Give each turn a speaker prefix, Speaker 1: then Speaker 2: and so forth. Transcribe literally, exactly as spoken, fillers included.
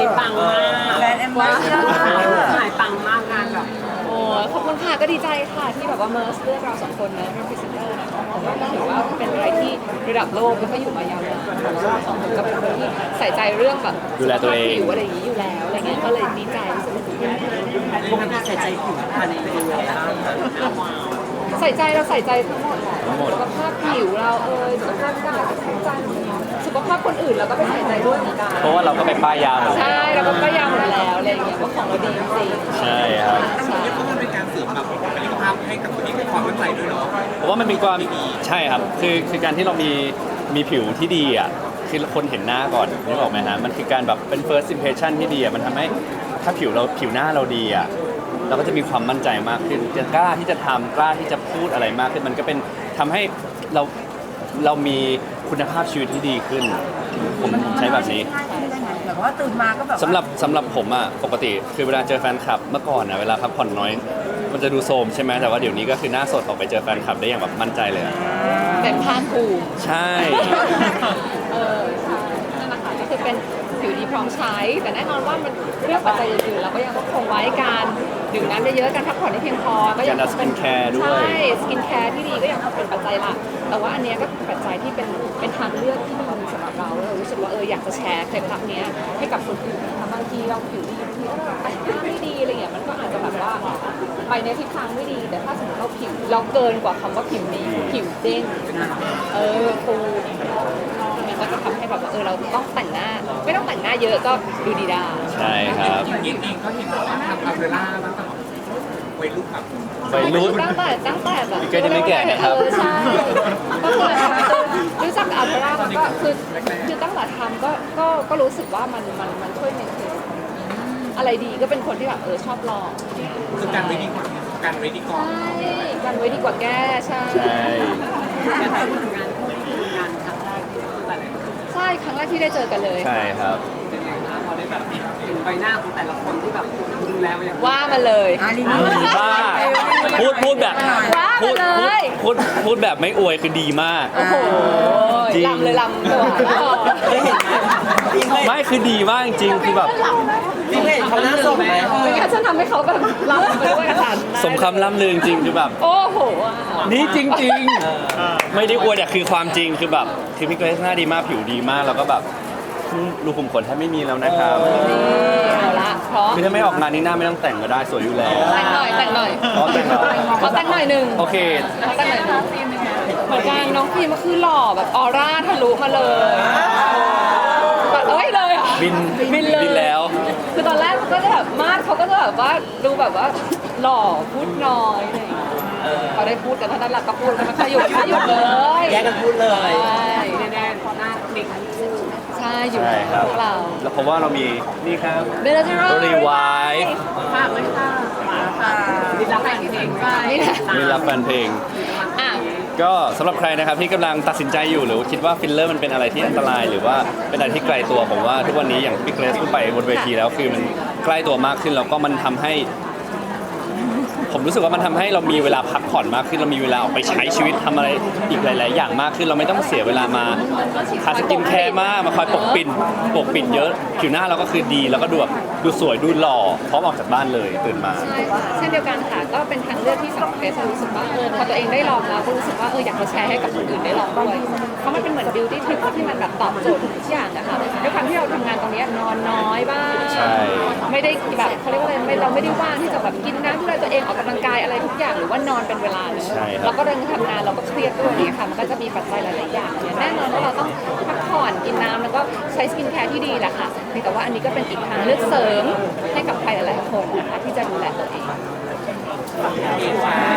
Speaker 1: ปังมาก
Speaker 2: แบรนด์แอมบาสเดอร์
Speaker 1: ขายปังมากงานแบบ
Speaker 3: โอ้ขอบคุณค่ะก็ดีใจค่ะที่แบบว่าเมอร์สเลือกเราสองคนนะเป็นพรีเซนเตอร์นะคะผมว่าก็ถือว่าเป็นอะไรที่ระดับโลกแล้วก็อยู่มายาวนานเราสองคนก็เป็นคนที่ใส่ใจเรื่องแบบ
Speaker 4: ดูแลตัวเอง
Speaker 3: ผิวอะไรอย่างนี้อยู่แล้วอะไรเงี้ยก็เลยดีใจรู้สึกว่า
Speaker 1: ปกติใส่ใจผิวภายในตัวแล้วว้าว
Speaker 3: ใส่ใจเราใส่ใจทั้งหมดแหละ
Speaker 4: ทั้งหมด
Speaker 3: สุขภาพผิวเราเอยสุขภาพกายสุขภาพใจสุขภาพคนอื่นเราก็ไปใส่ใจด้วยเหมือนกัน
Speaker 4: เพราะว่าเราก็ไปป้ายยาหมดแล้ว
Speaker 3: ใช่เราก็ก็ยาวหมดแล้วอะไรอย่างเงี้ยว่าของเราดีจริงๆ
Speaker 4: ใช่ครับ
Speaker 3: ใช่
Speaker 5: เพราะมันเป็นการเสริมแบบบุคลิกภาพให้กับตัวเองเป็นความมั่นใจด้วยเนาะ
Speaker 4: เพราะว่ามันมีความใช่ครับคือคือการที่เรามีมีผิวที่ดีอ่ะคือคนเห็นหน้าก่อนนึกออกไหมฮะมันคือการแบบเป็น first impression ที่ดีอ่ะมันทำให้ถ้าผิวเราผิวหน้าเราดีอ่ะเราก็จะมีความมั่นใจมากขึ้นจะกล้าที่จะทำกล้าที่จะพูดอะไรมากขึ้นมันก็เป็นทำให้เราเรามีคุณภาพชีวิตที่ดีขึ้นผมใช้แบบนี้
Speaker 2: ง่ายขึ้นได้ไงแบบว่าตื่นมาก็แบบว่า
Speaker 4: สำหรับสำหรับผมอ่ะปกติคือเวลาเจอแฟนคลับเมื่อก่อนอ่ะเวลาพักผ่อนน้อย มันจะดูโทรมใช่ไหมแต่ว่าเดี๋ยวนี้ก็คือหน้าสดออกไปเจอแฟนคลับได้อย่างแบบมั่นใจเลยอะ
Speaker 3: เต็มภาคภูมิ
Speaker 4: ใช่
Speaker 3: เออใช่นั่นแหละค่ะก็คือเป็นผิวดีพร้อมใช้ แต่แน่นอนว่ามันเรื่องปัจจัยอื่นๆเราก็ยังต้องคงไว้การดื่มน้ำเยอะๆการพักผ่อนให้เพียงพอก็ยั
Speaker 4: การดูสกินแคร์ด้วย
Speaker 3: ใช่สกินแคร์ที่ดีก็ยังคงเป็นปัจจัยหลักแต่ว่าอันเนี้ยก็เป็นปัจจัยที่เป็นเป็นทางเลือกที่ดีสำหรับเราแล้วเรารู้สึกว่าเอออยากจะแชร์เคล็ดลับเนี้ยให้กับคนอื่นนะคะบางทีเราผิวดีบางทีเราแต่งหน้าไม่ดีอะไรเงี้ยมันก็อาจจะแบบว่าไปในทิศทางไม่ดีแต่ถ้าสมมติเราผิวเราเกินกว่าคำว่าผิวดีผิวเด้งเออฟูมันก็จะทำให้แบบว่าเออเราต้องแต่งหน้า ไม่ต้องแต่งหน้าเยอะก็ดูดีได้
Speaker 4: ใช่ครับ
Speaker 5: อย่างเงี้ยเองก็เห็นว่าทำอัลเวล่าตั้งแต่แบบวัยรุ่นแบบ
Speaker 4: วัยรุ่น
Speaker 3: ตั้งแต่ตั้งแต่แบบ
Speaker 4: พี่เกรซยังไม่แก่นะครับ
Speaker 3: เออใช่ก็คือรู้จักกับอัลตรามันก็คือคือตั้งแต่ทำก็ก็ก็รู้สึกว่ามันมันมันช่วยเมนเทนอะไรดีก็เป็นคนที่แบบเออชอบลอง
Speaker 5: คือการไว้ดีกว่าการไว้ดีก่อน
Speaker 3: ใช่กันไว้ดีกว่าแก้ใช่
Speaker 4: ใช่
Speaker 1: แต่ถ้าพูดถึงงานคู่นี่คืองานครั้งแรกที่แต่ละคน
Speaker 3: ใช่ครั้งแรกที่ได้เจอกันเลย
Speaker 4: ใช่ครับ
Speaker 1: เป็นไงคะพอได้แบบเห็นใบหน้าของแต่ละคนที่แบบดูแลมาอย่าง
Speaker 3: ว่ามาเลย
Speaker 2: อ่ารีวิว
Speaker 4: ดีมากพูดพูดแบบ
Speaker 3: ว่า
Speaker 4: พูด
Speaker 3: มาเลย
Speaker 4: พูดพูดแบบไม่อวยคือดีมาก
Speaker 3: โอ้โห
Speaker 4: จริง
Speaker 3: ลำเลยลำตัว
Speaker 4: ไม่คือดีมากจริงๆคือแบบ
Speaker 1: พี่เห็นเขาหน้าสดไหม
Speaker 3: ไม่งั้นฉันทำให้เขาแบบลำไปด้วยกัน
Speaker 4: สมคำล่ำลือจริงๆคือแบบ
Speaker 3: โอ้โห
Speaker 4: นี่จริงๆ ไม่ได้อวยแต่คือความจริงคือแบบคือพี่เกรซหน้าดีมากผิวดีมากแล้วก็แบบรูขุมขนแทบไม่มีแล้วนะครับ
Speaker 3: นี่เอาละพร้อม
Speaker 4: คือถ้าไม่ออกงานนี้หน้าไม่ต้องแต่งก็ได้สวยอยู่แล้ว
Speaker 3: แต่งหน่อยแต่งหน่อย
Speaker 4: อ๋อแต่งเหรอ
Speaker 3: ขอแต่งหน่อยหนึ่ง
Speaker 4: โอเค
Speaker 3: ขอแต่งหน่อยหนึ่งเหมือนกันน้องพีก็คือหล่อแบบออร่าทะลุมาเลยแบบเอ้ยเลยอ่ะ
Speaker 4: บิน
Speaker 3: บินเลย
Speaker 4: บินแล้ว
Speaker 3: คือตอนแรกก็จะแบบมาดเขาก็จะแบบว่าดูแบบว่าหล่อพูดน้อยอะไรอย่างเงี้ยเขาได้พูดกันเท่านั้นแหละก็พูดกันไม่ค่อยหยุดไม่หยุดเลย
Speaker 1: แยกกันพูดเลย
Speaker 3: ใช่
Speaker 1: แน่ๆเพราะหน้าเด็กอายุสิบ
Speaker 3: ใช่อยู่
Speaker 4: ใช่ครับ
Speaker 3: พวกเรา
Speaker 4: แล้วเพราะว่าเรามีนี่ครับ
Speaker 3: เบลล่าเจอร์
Speaker 4: รีไวท์
Speaker 1: ฝากไว้ค่ะมีรักแฟนเพลงไป
Speaker 3: นี่แหละ
Speaker 4: มีรับแฟนเพลง
Speaker 3: อ่ะ
Speaker 4: ก็สำหรับใครนะครับที่กำลังตัดสินใจอยู่หรือคิดว่าฟิลเลอร์มันเป็นอะไรที่อันตราย หรือว่าเป็นอะไรที่ไกลตัวผมว่าทุกวันนี้อย่างพี่เกรซพูดไปบนเวทีแล้วคือมันใกล้ตัวมากขึ้นแล้วก็มันทำให้ ผมรู้สึกว่ามันทำให้เรามีเวลาพักผ่อนมากขึ้นเรามีเวลาออกไปใช้ชีวิตทำอะไรอีกหลาย ๆ อย่างมากขึ้นเราไม่ต้องเสียเวลามาทาสกินแคร์มากมาคอยปกปิดปกปิดเยอะผิวหน้าเราก็คือดีแล้วก็ดูแบบดูสวยดูหล่อพร้อมออกจากบ้านเลยตื่นมา
Speaker 3: ใช่ค่ะเช่นเดียวกันค่ะก็เป็นทางเลือกที่สำหรับเกรซรู้สึกว่าเออพอตัวเองได้ลองแล้วก็รู้สึกว่าเอออยากจะแชร์ให้กับคนอื่นได้ลองด้วยเพราะมันเป็นเหมือนบิวตี้ทริปที่มันแบบตอบโจทย์ทุกอย่างนะคะด้วยความที่เราทำงานตรงนี้นอนน้อยบ้าง
Speaker 4: ใช่
Speaker 3: ไม่ได้แบบเขาเรียกว่าอะไรไม่เราไม่ได้ว่างที่จะแบบกินน้ำดูแลตัวเองออกกำลังกายอะไรทุกอย่างหรือว่านอนเป็นเวลาเลย
Speaker 4: ใช่ครับ
Speaker 3: เราก็เดินทำงานเราก็เครียดด้วยเนี่ยค่ะมันก็จะมีปัจจัยหลายๆอย่างเนี่ยแน่นอนว่าเราต้องพักผ่อนกินน้ำแล้วก็ใช้สกินแคร์ที่ดีแหละค่ะเพียงแต่ว่าอันนี้ก็เป็นอีกทางเลือกเสริมให้กับใครหลายๆคนนะคะที่จะดูแลตัวเอง